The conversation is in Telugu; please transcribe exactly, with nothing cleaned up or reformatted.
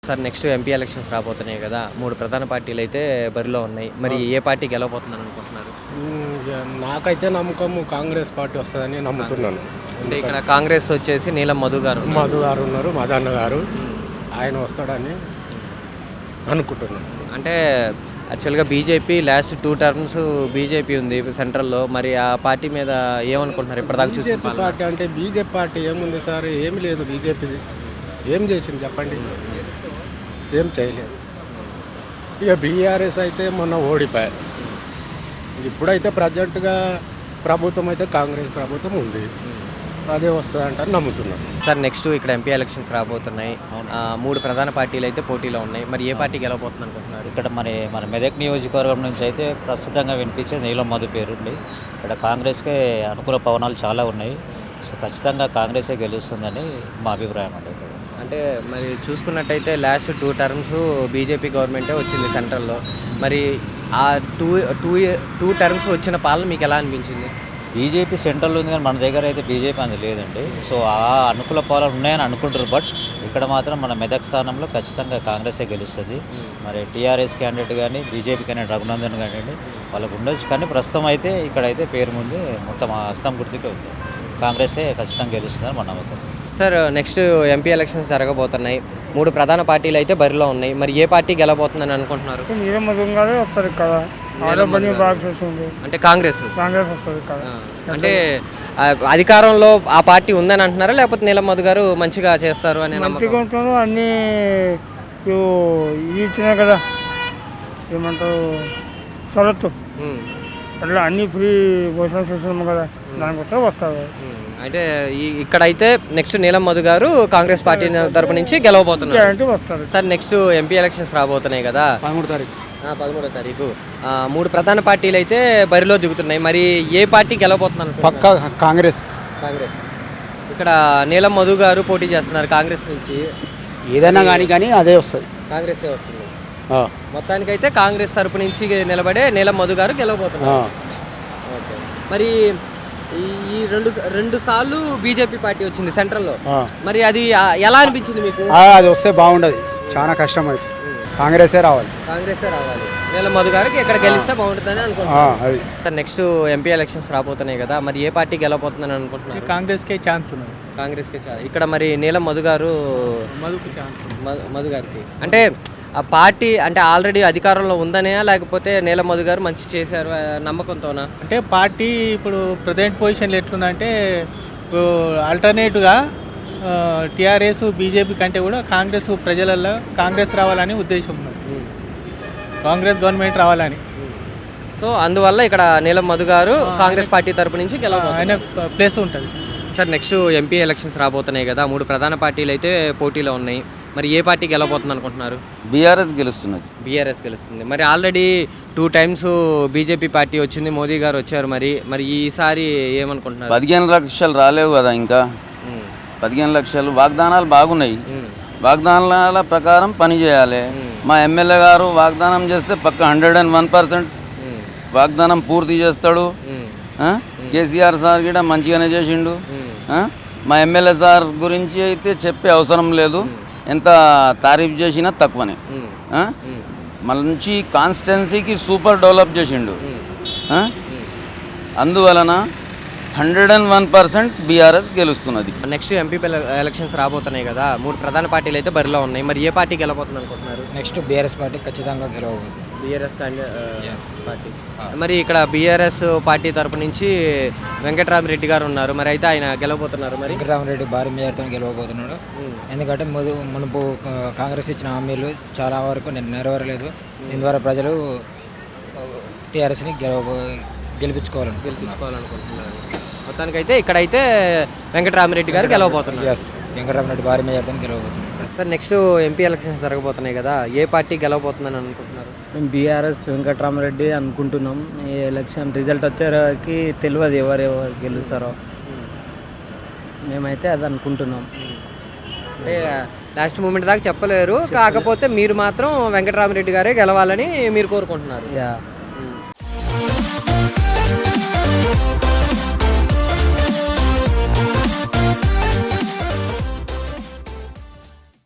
సార్ నెక్స్ట్ ఎంపీ ఎలక్షన్స్ రాబోతున్నాయి కదా, మూడు ప్రధాన పార్టీలు అయితే బరిలో ఉన్నాయి. మరి ఏ పార్టీ గెలవబోతుందని అనుకుంటున్నారు? నాకైతే నమ్మకము కాంగ్రెస్ పార్టీ వస్తుందని నమ్ముతున్నాను. అంటే ఇక్కడ కాంగ్రెస్ వచ్చేసి నీలం మధు గారు మధు గారు ఉన్నారు, మదన్న గారు, ఆయన వస్తాడని అనుకుంటున్నాను. అంటే యాక్చువల్గా BJP last two terms BJP ఉంది సెంట్రల్లో. మరి ఆ పార్టీ మీద ఏమనుకుంటున్నారు ఇప్పటిదాకా చూసి? బీజేపీ పార్టీ అంటే బీజేపీ పార్టీ ఏముంది సార్, ఏమి లేదు. బీజేపీది ఏం చేసింది చెప్పండి? ఏం చేయలేదు. ఇక బీఆర్ఎస్ అయితే మొన్న ఓడిపోయారు. ఇప్పుడైతే ప్రజెంట్గా ప్రభుత్వం అయితే కాంగ్రెస్ ప్రభుత్వం ఉంది, అదే వస్తుందంటారు నమ్ముతున్నాను. సార్ నెక్స్ట్ ఇక్కడ ఎంపీ ఎలక్షన్స్ రాబోతున్నాయి. మూడు ప్రధాన పార్టీలు అయితే పోటీలో ఉన్నాయి. మరి ఏ పార్టీ గెలవబోతుంది అనుకుంటున్నారు? ఇక్కడ మరి మన మెదక్ నియోజకవర్గం నుంచి అయితే ప్రస్తుతంగా వినిపించే నీలం మధు పేరుంది. ఇక్కడ కాంగ్రెస్కే అనుకూల పవనాలు చాలా ఉన్నాయి. సో ఖచ్చితంగా కాంగ్రెసే గెలుస్తుందని మా అభిప్రాయం అండి. అంటే మరి చూసుకున్నట్టయితే లాస్ట్ టూ టర్మ్స్ బీజేపీ గవర్నమెంటే వచ్చింది సెంట్రల్లో. మరి ఆ టూ టూ టూ టర్మ్స్ వచ్చిన పాలన మీకు ఎలా అనిపించింది? బీజేపీ సెంట్రల్ ఉంది కానీ మన దగ్గర అయితే బీజేపీ అనేది లేదండి. సో ఆ అనుకూల పాలన ఉన్నాయని అనుకుంటారు. బట్ ఇక్కడ మాత్రం మన మెదక్ స్థానంలో ఖచ్చితంగా కాంగ్రెసే గెలుస్తుంది. మరి టీఆర్ఎస్ క్యాండిడేట్ కానీ బీజేపీ క్యాండిడేట్ రఘునందన్ కానివ్వండి వాళ్ళకు ఉండొచ్చు, కానీ ప్రస్తుతం అయితే ఇక్కడైతే పేరు ముందు మొత్తం అస్తం గుర్తుకే ఉంది. కాంగ్రెసే ఖచ్చితంగా గెలుస్తుందని మన నమ్మకం. సార్ నెక్స్ట్ ఎంపీ ఎలక్షన్స్ జరగబోతున్నాయి. మూడు ప్రధాన పార్టీలు అయితే బరిలో ఉన్నాయి. మరి ఏ పార్టీ గెలవబోతుందని అనుకుంటున్నారు? వస్తుంది కదా, అంటే కాంగ్రెస్ కాంగ్రెస్ వస్తుంది కదా. అంటే అధికారంలో ఆ పార్టీ ఉందని అంటున్నారా, లేకపోతే నీలం మధు గారు మంచిగా చేస్తారు అని? మంచిగా ఉంటారు అన్నీ ఇచ్చినాయి కదా, ఏమంటారు సరత్తు అట్లా అన్నీ ఫ్రీ భోజనం చేస్తున్నాము కదా, దానికోసం వస్తారు. అంటే ఈ ఇక్కడైతే నెక్స్ట్ నీలం మధు గారు కాంగ్రెస్ పార్టీ తరపు నుంచి గెలవబోతున్నారు వస్తారు. సార్ నెక్స్ట్ ఎంపీ ఎలక్షన్స్ రాబోతున్నాయి కదా, పదమూడు తారీఖు పదమూడో తారీఖు మూడు ప్రధాన పార్టీలు అయితే బరిలో దిగుతున్నాయి. మరి ఏ పార్టీ గెలవబోతున్నారు? పక్కా కాంగ్రెస్. కాంగ్రెస్. ఇక్కడ నీలం మధు గారు పోటీ చేస్తున్నారు కాంగ్రెస్ నుంచి. ఏదైనా కానీ కానీ అదే వస్తుంది, కాంగ్రెస్ వస్తుంది. మొత్తానికైతే కాంగ్రెస్ తరపు నుంచి నిలబడే నీలం మధు గారు గెలవబోతున్నారు. ఓకే. మరి ఈ రెండు రెండు సార్లు బీజేపీ పార్టీ వచ్చింది సెంట్రల్లో. మరి అది ఎలా అనిపించింది మీకు? అది వస్తే బాగుండదు, చాలా కష్టం అవుతుంది. కాంగ్రెసే రావాలి, కాంగ్రెసే రావాలి. నీలం మధు గారికి ఎక్కడ గెలిస్తే బాగుంటుందని అనుకుంటున్నాను. నెక్స్ట్ ఎంపీ ఎలక్షన్స్ రాబోతున్నాయి కదా, మరి ఏ పార్టీ గెలవబోతుందని అనుకుంటున్నారు? కాంగ్రెస్కే ఛాన్స్ ఉన్నది. కాంగ్రెస్కే ఛాన్స్. ఇక్కడ మరి నీలం మధు గారు మధుకు ఛాన్స్ మధు గారికి అంటే ఆ పార్టీ అంటే ఆల్రెడీ అధికారంలో ఉందనే, లేకపోతే నీలం మధు గారు మంచి చేశారు నమ్మకంతోనా? అంటే పార్టీ ఇప్పుడు ప్రజెంట్ పొజిషన్లో ఎట్లుందంటే ఆల్టర్నేటివ్గా టీఆర్ఎస్ బీజేపీ కంటే కూడా కాంగ్రెస్ ప్రజలలో కాంగ్రెస్ రావాలని ఉద్దేశం ఉన్నది, కాంగ్రెస్ గవర్నమెంట్ రావాలని. సో అందువల్ల ఇక్కడ నీలం మధు గారు కాంగ్రెస్ పార్టీ తరపు నుంచి గెలవబోతున్నారు, ప్లేస్ ఉంటుంది. సార్ నెక్స్ట్ ఎంపీ ఎలక్షన్స్ రాబోతున్నాయి కదా, మూడు ప్రధాన పార్టీలు అయితే పోటీలో ఉన్నాయి. మరి ఏ పార్టీ గెలవబోతుంది అనుకుంటున్నారు? బీఆర్ఎస్ గెలుస్తున్నది. బీఆర్ఎస్ గెలుస్తుంది. మరి already two times BJP party వచ్చింది, మోదీ గారు వచ్చారు. మరి మరి ఈసారి ఏమనుకుంటున్నారు? పదిహేను లక్షలు రాలేవు కదా, ఇంకా పదిహేను లక్షలు వాగ్దానాలు బాగున్నాయి. వాగ్దానాల ప్రకారం పని చేయాలి. మా ఎమ్మెల్యే గారు వాగ్దానం చేస్తే పక్క హండ్రెడ్ అండ్ వన్ పర్సెంట్ వాగ్దానం పూర్తి చేస్తాడు. కేసీఆర్ సార్ కూడా మంచిగానే చేసిండు. మా ఎమ్మెల్యే సార్ గురించి అయితే చెప్పే అవసరం లేదు, ఎంత తారీఫ్ చేసినా తక్కువనే. మంచి కాన్స్టిట్యున్సీకి సూపర్ డెవలప్ చేసిండు. అందువలన hundred and one percent BRS గెలుస్తున్నది. నెక్స్ట్ ఎంపీ ఎలక్షన్స్ రాబోతున్నాయి కదా, మూడు ప్రధాన పార్టీలు అయితే బరిలో ఉన్నాయి. మరి ఏ పార్టీ గెలవబోతుంది అనుకుంటున్నారు? నెక్స్ట్ బీఆర్ఎస్ పార్టీ ఖచ్చితంగా గెలవబోతుంది. BRS party. మరి ఇక్కడ బీఆర్ఎస్ పార్టీ తరపు నుంచి వెంకటరామరెడ్డి గారు ఉన్నారు. మరి అయితే ఆయన గెలవబోతున్నారు. మరి వెంకటరామరెడ్డి భారీ మెజార్టీతో గెలవబోతున్నాడు. ఎందుకంటే ముందు మునుపు కాంగ్రెస్ ఇచ్చిన హామీలు చాలా వరకు నెరవేరలేదు. దీని ద్వారా ప్రజలు టీఆర్ఎస్ని గెలవ గెలిపించుకోవాలని గెలిపించుకోవాలనుకుంటున్నారు. మొత్తానికైతే ఇక్కడైతే వెంకటరామరెడ్డి గారు గెలవబోతున్నారు. ఎస్, వెంకటరామరెడ్డి భారీ మెజార్టీతో గెలవబోతున్నారు. సార్ నెక్స్ట్ ఎంపీ ఎలక్షన్స్ జరగబోతున్నాయి కదా, ఏ పార్టీ గెలవబోతుందని అనుకుంటున్నారు? మేము బీఆర్ఎస్ వెంకటరామరెడ్డి అనుకుంటున్నాం. ఈ ఎలక్షన్ రిజల్ట్ వచ్చేకి తెలియదు ఎవరు ఎవరు గెలుస్తారో, మేమైతే అది అనుకుంటున్నాం. అంటే లాస్ట్ మూమెంట్ దాకా చెప్పలేరు, కాకపోతే మీరు మాత్రం వెంకటరామరెడ్డి గారే గెలవాలని మీరు కోరుకుంటున్నారు. యా